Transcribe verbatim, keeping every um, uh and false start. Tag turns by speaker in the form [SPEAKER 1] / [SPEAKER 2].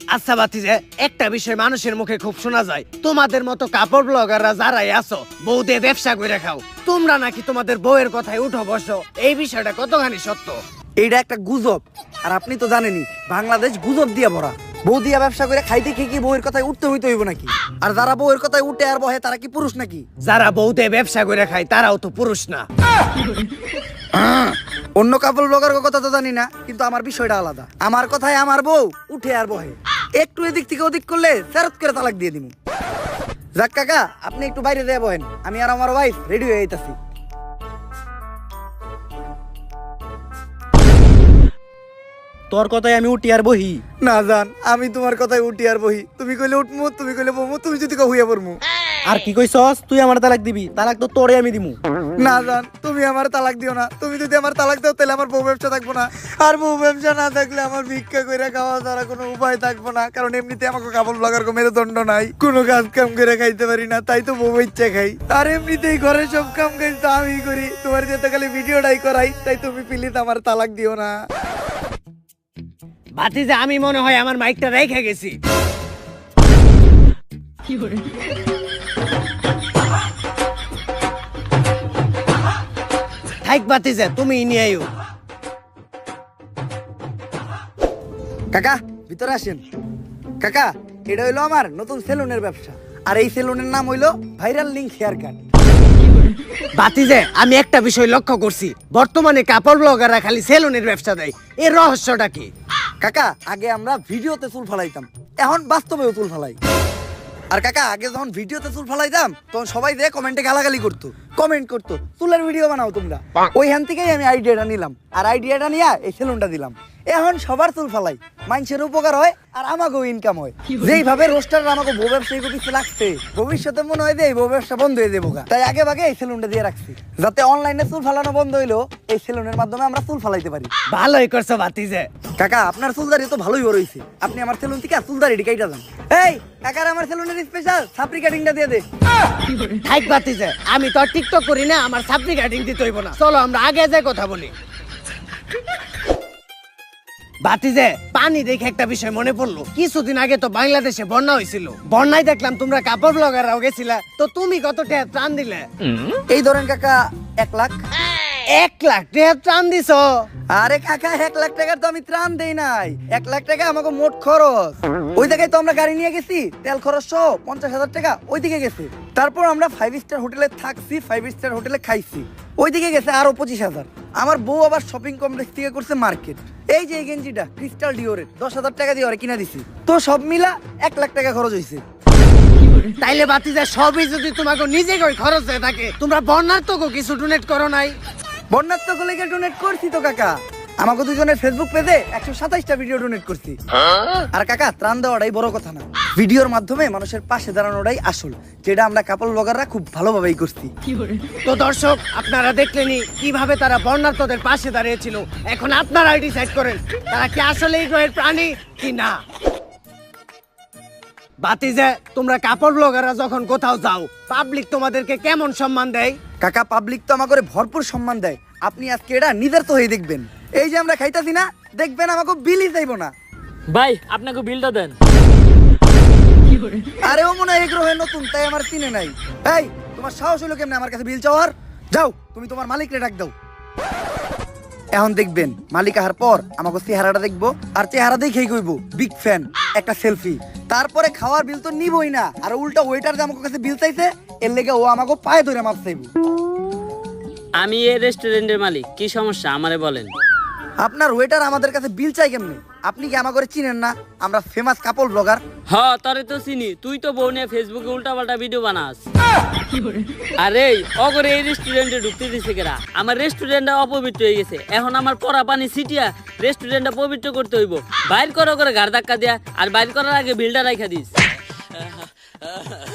[SPEAKER 1] আচ্ছা বাতিজে, একটা বিষয় মানুষের মুখে খুব শোনা যায়, তোমাদের মতো কাপড় ব্লগাররা যারাই আছো বউ দিয়ে ব্যবসা করে খাও, তোমরা নাকি তোমাদের বউয়ের কথায় উঠো বসো, এই বিষয়টা কতখানি সত্য?
[SPEAKER 2] এইটা একটা গুজব। আর আপনি তো জানেনই বাংলাদেশ গুজব দিয়ে ভরা। বউ দিয়া ব্যবসা করে খাইতে খেয়ে কি বউয়ের কথায় উঠতে হইতে হইব নাকি? আর যারা বউয়ের কথায় উঠে আর বহে তারা কি পুরুষ নাকি?
[SPEAKER 1] যারা বউ দিয়ে ব্যবসা করে খায় তারাও তো পুরুষ না।
[SPEAKER 2] অন্য কাপড় ব্লগার কথা তো জানি না, কিন্তু আমার বিষয়টা আলাদা। আমার কথায় আমার বউ উঠে আর বহে, একটু এদিক থেকে ওদিক করলে ফেরত করে তালাক দিয়ে দিব। যাক কাকা, আপনি একটু বাইরে দিয়ে বহেন, আমি আর আমার ওয়াইফ রেডি হয়ে যাইতাছি।
[SPEAKER 3] তোর কথায় আমি উঠি আর বহি?
[SPEAKER 2] না জান, আমি তোমার কথায় উঠি আর বহি। তুমি কইলে উঠমু, তুমি কইলে বমু, তুমি যদি কও হইয়া পড়মু।
[SPEAKER 3] আর কি কইছস? তুই আমার তালাক দিবি? তালাক তো তোরে আমি দিমু।
[SPEAKER 2] না জান, তুমি আমার তালাক দিও না। তুমি যদি আমার তালাক দাও তাহলে আমার বউ ব্যবসা থাকবো না। আর বউ ব্যবসা না থাকলে আমার ভিক্ষা কইরা খাওয়া ছাড়া কোনো উপায় থাকবো না। কারণ এমনিতে আমাকে কাপড় ব্লগার কো মেরুদণ্ড নাই, কোনো কাজ কাম করে খাইতে পারি না, তাই তো বউ ইচ্ছা খাই। আর এমনিতেই ঘরে সব কাম কাজ তো আমি করি, তোমার যেতে খালি ভিডিওটাই করাই। তাই তুমি প্লিজ আমার তালাক দিও না।
[SPEAKER 1] বাতিজে, আমি মনে হয় আমার মাইকটা রেখে গেছি। থাক বাতিজে, তুমি নিয়ে আইও।
[SPEAKER 2] কাকা ভিতরে আসেন। কাকা, এটা হইলো আমার নতুন সেলুনের ব্যবসা। আর এই সেলুনের নাম হইলো ভাইরাল লিংক হেয়ার কাট।
[SPEAKER 1] বাতিজে, আমি একটা বিষয় লক্ষ্য করছি, বর্তমানে কাপড় ব্লগাররা খালি সেলুনের ব্যবসা দেয়, এর রহস্যটা কি?
[SPEAKER 2] কাকা, আগে আমরা ভিডিওতে চুল ফালাইতাম, এখন বাস্তবেও চুল ফালাই। আর কাকা, আগে যখন ভিডিওতে চুল ফালাইতাম তখন সবাই যে কমেন্টে গালাগালি করতো, কমেন্ট করতো চুলের ভিডিও বানাও তোমরা। ওইখান থেকেই আমি আইডিয়াটা নিলাম, আর আইডিয়াটা নিয়ে এই সেলুনটা দিলাম। এখন সবার চুল ফালাই, মানুষের উপকার হয় আর আমাকেও ইনকাম হয়। যেইভাবে রোস্টার আমাকে বউ ব্যবসায়ী কিছু লাগছে, ভবিষ্যতে মনে হয় যে এই বউ ব্যবসা বন্ধ হয়ে যাবো। তাই আগে ভাগে এই সেলুনটা দিয়ে রাখছি, যাতে অনলাইনে চুল ফালানো বন্ধ হইলো এই সেলুনের মাধ্যমে আমরা চুল ফালাইতে পারি।
[SPEAKER 1] ভালোই করছো বাতিজে।
[SPEAKER 2] কাকা, আপনার চুলদারি তো ভালোই বড় হইছে, আপনি আমার সেলুন থেকে চুলদারি কাইটা যান। এই কাকার আমার সেলুনের স্পেশাল সাপরি কাটিংটা দিয়ে দে।
[SPEAKER 1] থাক বাতিজে, আমি তো আর টিকটক করি না, আমার সাপড়ি কাটিং দিতে হইব না। চলো আমরা আগে যাই কথা বলি। বাতিজে, পানি দেখে একটা বিষয় মনে পড়লো, কিছুদিন আগে তো বাংলাদেশে বন্যা হয়েছিল, বন্যায় দেখলাম তোমরা কাপড় ব্লগাররাও গেছিলা, তো তুমি কত টাকা ত্রাণ দিলে?
[SPEAKER 2] এই ধরেন কাকা, এক লাখ।
[SPEAKER 1] এক লাখ টাকা ত্রাণ দিছ?
[SPEAKER 2] আরে কাকা, এক লাখ টাকার তো আমি ত্রাণ দেই নাই, এক লাখ টাকা আমাকে মোট খরচ। ওই জায়গায় তো আমরা গাড়ি নিয়ে গেছি, তেল খরচ সহ পঞ্চাশ হাজার টাকা ওইদিকে গেছে। তারপর আমরা ফাইভ স্টার হোটেলে থাকছি, ফাইভ স্টার হোটেলে খাইছি, ওইদিকে গেছে আরো পঁচিশ হাজার। আমার বউ আবার শপিং কমপ্লেক্স থেকে করছে মার্কেট। এই যে এই গেঞ্জিটা ক্রিস্টাল ডিওরের দশ হাজার টাকা দিয়ে ওরে কিনা দিছি, তো সব মিলা এক লাখ টাকা খরচ হয়েছে।
[SPEAKER 1] তাইলে বাতিজে, সবই যদি তোমাকে নিজে কই খরচ হয়ে থাকে, তোমরা বন্যার তো কিছু ডোনেট করো নাই?
[SPEAKER 2] বন্যার তো লেগে ডোনেট করছি তো কাকা, আমাকে দুজনের ফেসবুক পেজে একশো সাতাইশটা ভিডিও ডোনেট করছি। আর কাকা, ত্রাণ দেওয়াটাই বড় কথা না, ভিডিওর মাধ্যমে মানুষের পাশে দাঁড়ানোটাই আসল, যেটা আমরা কাপড় ব্লগাররা খুব ভালোভাবেই করছি।
[SPEAKER 1] তো দর্শক, আপনারা দেখলেনই কিভাবে তারা বন্যার্তদের পাশে দাঁড়িয়েছিল। এখন আপনারাই ডিসাইড করেন তারা কি আসলে এই গ্রহের প্রাণী কি না। বাতিজে, তোমরা কাপড় ব্লগাররা যখন কোথাও যাও, পাবলিক তোমাদেরকে কেমন সম্মান দেয়?
[SPEAKER 2] কাকা, পাবলিক তো আমাকে ভরপুর সম্মান দেয়। আপনি আজকে এটা নিজের তো হয়ে দেখবেন, এই যে আমরা খাইতাছি না, দেখবেন আমাকে বিলই চাইবো না।
[SPEAKER 4] ভাই, আপনাকে বিলটা দেন।
[SPEAKER 2] আরে ও মনে হয় এই গ্রহে নতুন, তাই আমার চিনে নাই। এই, তোমার সাহস হলো কেমনে আমার কাছে বিল চাওয়ার? যাও, তুমি তোমার মালিকরে ডাক দাও। এখন দেখবেন মালিক আহার পর আমাকে চেহারাটা দেখবো, আর চেহারা দেখেই কইবো বিগ ফ্যান, একটা সেলফি। তারপরে খাওয়ার বিল তো নিবই না, আর উল্টা ওয়েটার যে আমার কাছে বিল চাইছে, এর লেগে ও আমাকে পায়ে ধরে মাপ চাইবো।
[SPEAKER 4] আমি এই রেস্টুরেন্টের মালিক, কি সমস্যা আমারে বলেন।
[SPEAKER 2] আপনার ওয়েটার আমাদের কাছে বিল চাই কেমনে? আপনি কি আমাকে চিনেন না? আমরা ফেমাস কাপড় ব্লগার।
[SPEAKER 4] হ, তোরে তো চিনি, তুই তো বউ নিয়ে ফেসবুকে উল্টা পাল্টা ভিডিও বানাস। আরে অগরে এই রেস্টুরেন্টে ঢুকতে দিছে কেরা? আমার রেস্টুরেন্টটা অপবিত্র হয়ে গেছে, এখন আমার পরা পানি ছিটিয়া রেস্টুরেন্টটা পবিত্র করতে হইব। বাইর করো করে ঘাড় ধাক্কা দিয়া, আর বাইর করার আগে বিলটা রাখা দিস।